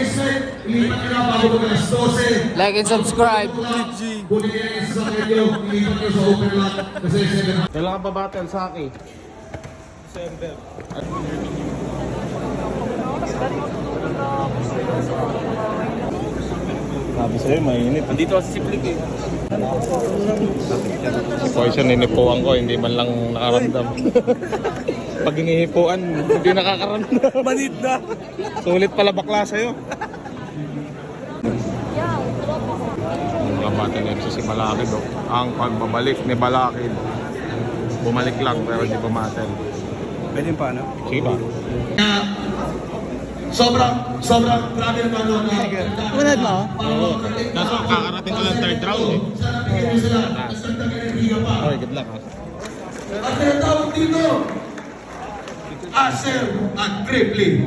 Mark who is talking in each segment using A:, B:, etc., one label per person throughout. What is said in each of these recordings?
A: Like and subscribe.
B: Kailangan pa battle sa akin. December. Sabi sa'yo, mainit. Andito kasi si Flick eh. Si Poison, ninipuan ko, hindi man lang nakaramdam. Pag hinihipuan, hindi nakakaramdam. Manid na. Sulit pala bakla sa'yo. Ang bata na si Balakid, oh. Ang pagbabalik ni Balakid. Bumalik lang pero hindi pumatel.
C: Pwede pa, no?
B: Sige ba?
D: Sobrang grabe naman ano.
A: Unad mo?
B: Oo. Kaso kakarating ko lang third round eh. Okay, good luck ha.
D: At tinatawag dito, Acer at Crippling.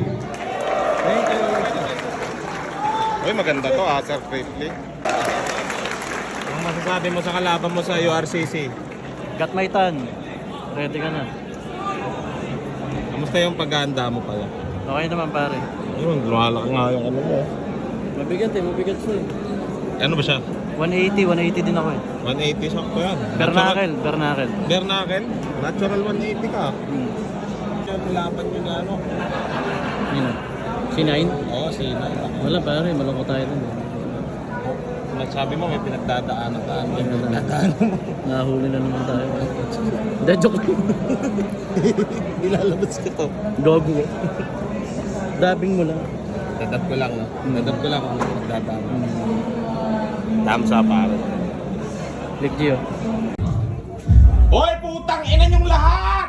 B: Uy, maganda to ha, Sir Crippling. Ang masasabi mo sa kalaban mo sa URCC?
C: Got my tan. Ready ka na.
B: Kamusta yung paghahanda mo pala?
C: Okay naman pare.
B: Ayun, lumalaki nga yung ano mo.
C: Mabigat siya eh.
B: Ano ba siya?
C: 180 din ako eh.
B: 180 sakto yan.
C: Bernacle.
B: Bernacle? Natural 180 ka. Yan, laban nyo na ano?
C: Yun. C9?
B: Oo, C9.
C: Wala pare, malungkot tayo dun.
B: Sabi mo may pinagdadaanan ka. May pinagdadaanan mo.
C: Nahuli na naman tayo. Hindi, joke.
B: Ilalabas ko to.
C: Gogo. Dabbing mo lang.
B: Dadap ko lang, no? Dadap ko lang kung may pinagdadaanan. Thumbs up, pare.
C: Click Gio.
B: Hoy, putang ina nyong lahat!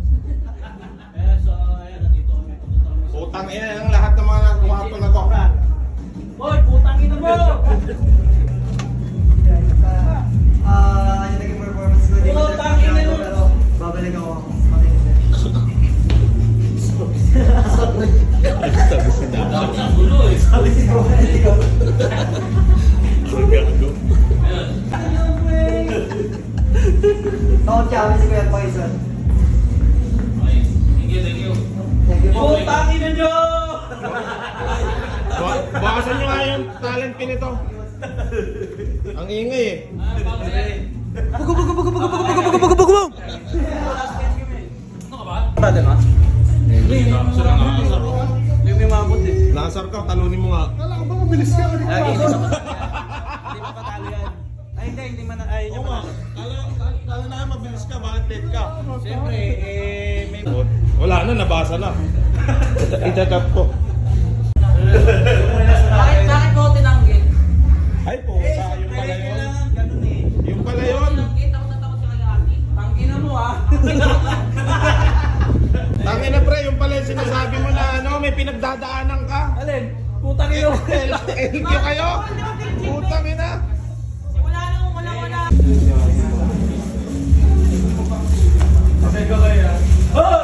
B: Putang ina ng lahat ng mga nagwapo na to.
C: Hoy, putang ina mo!
E: Yung naging performance ko dito sa Piano, pero babalik ako. Sabi si Bro, hindi ko. Ako sabi si Kuya Poison. Thank you.
C: Putang ina nyo!
B: Bakasan nyo nga yung talent pin ito. Ang ingay eh.
C: Brother ha? Yung may mabot eh.
B: Nakasar ka, talunin mo nga. Kala ko ba mabilis ka?
C: Lagi, hindi pa patalo yan. Ay hindi man ayaw niya
B: Oo nga. Kala na mabilis ka, bakit late ka?
C: Siyempre, may...
B: Wala na, nabasa na. Itatap ko.
F: Bakit mo tinanggit?
B: Ay po, yung pala yun.
C: Ganun eh.
B: Yung pala yun.
F: Tinanggit ako natakot sa kagati.
C: Tangina mo ah.
B: Tangin na pre, yung pala yung sinasabi mo na ano, may pinagdadaanan ka.
C: Alin? Putang ina mo.
B: LQ kayo? Putang ina.
F: Wala nung wala.
C: Sabi ko kaya. Oh!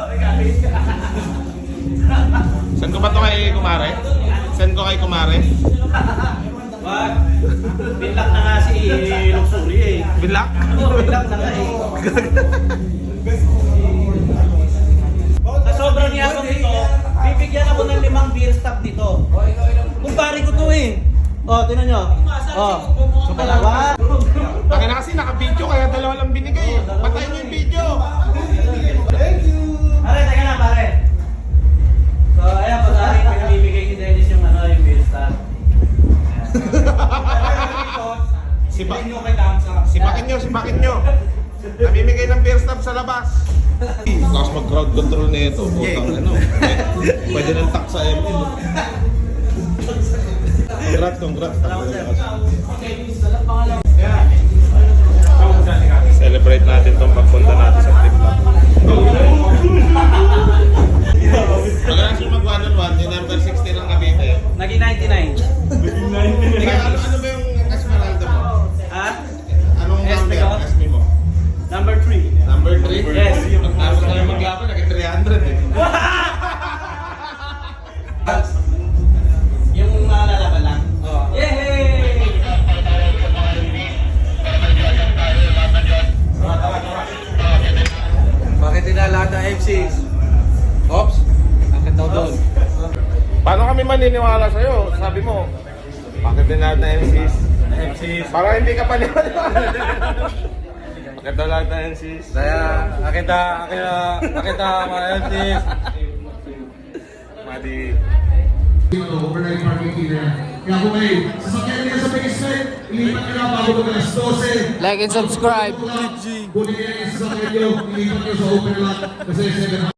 B: Saan ko ba ito kay Kumare? Saan ko kay Kumare?
C: Wag. Binlock na nga si Luxury eh.
B: Binlock?
C: Binlock na nga eh. Sa sobrang yabang nito, bibigyan ako ng 5 beer stop dito. Kumpare ko to eh. Oh, tinan nyo. Oh. So, dalawa.
B: Akin na kasi naka-video kaya dalawa lang binigay. Patayin niyo yung video.
C: Pare, teka na pare. So, ayan, pag-ari, pinamimigay ni Dennis yung ano, yung beer stop.
B: Sipakin nyo. Namimigay ng beer stop sa labas. Tapos mag-crowd control na ito. Putang ano. Pwede nang tak sa ML. Congrats. Celebrate natin tong pagpunta natin sa trip na. Magalang siya mag-1-on-1, yung number 16 ng Cavite.
C: Naging 99.
B: Ano ba yung Esmeralda mo?
C: Ha?
B: Anong number?
C: Esme ko?
B: Esme mo?
C: Number 3.
B: Number 3?
C: Yes.
B: Tapos na yung maglaban, naging 300 eh.
C: Yung mga lalaban lang? Oo. Yay!
E: Bakit tinalahat ng MC? Ops? Akit daw doon.
B: Paano kami maniniwala sa'yo? sabi mo, bakit din lahat na MCs? Parang hindi ka pa nila. Bakit daw lahat na MCs?
G: Kaya, akita mga MCs.
B: Madi.
D: Overnight parking fee na yan. Kaya kung may sasakyan nila sa Bayside, ilipat nyo na bago mag alas 12.
A: Like and subscribe.
D: Kunin nyo yung sasakyan nyo, ilipat nyo sa open lot. Kasi 7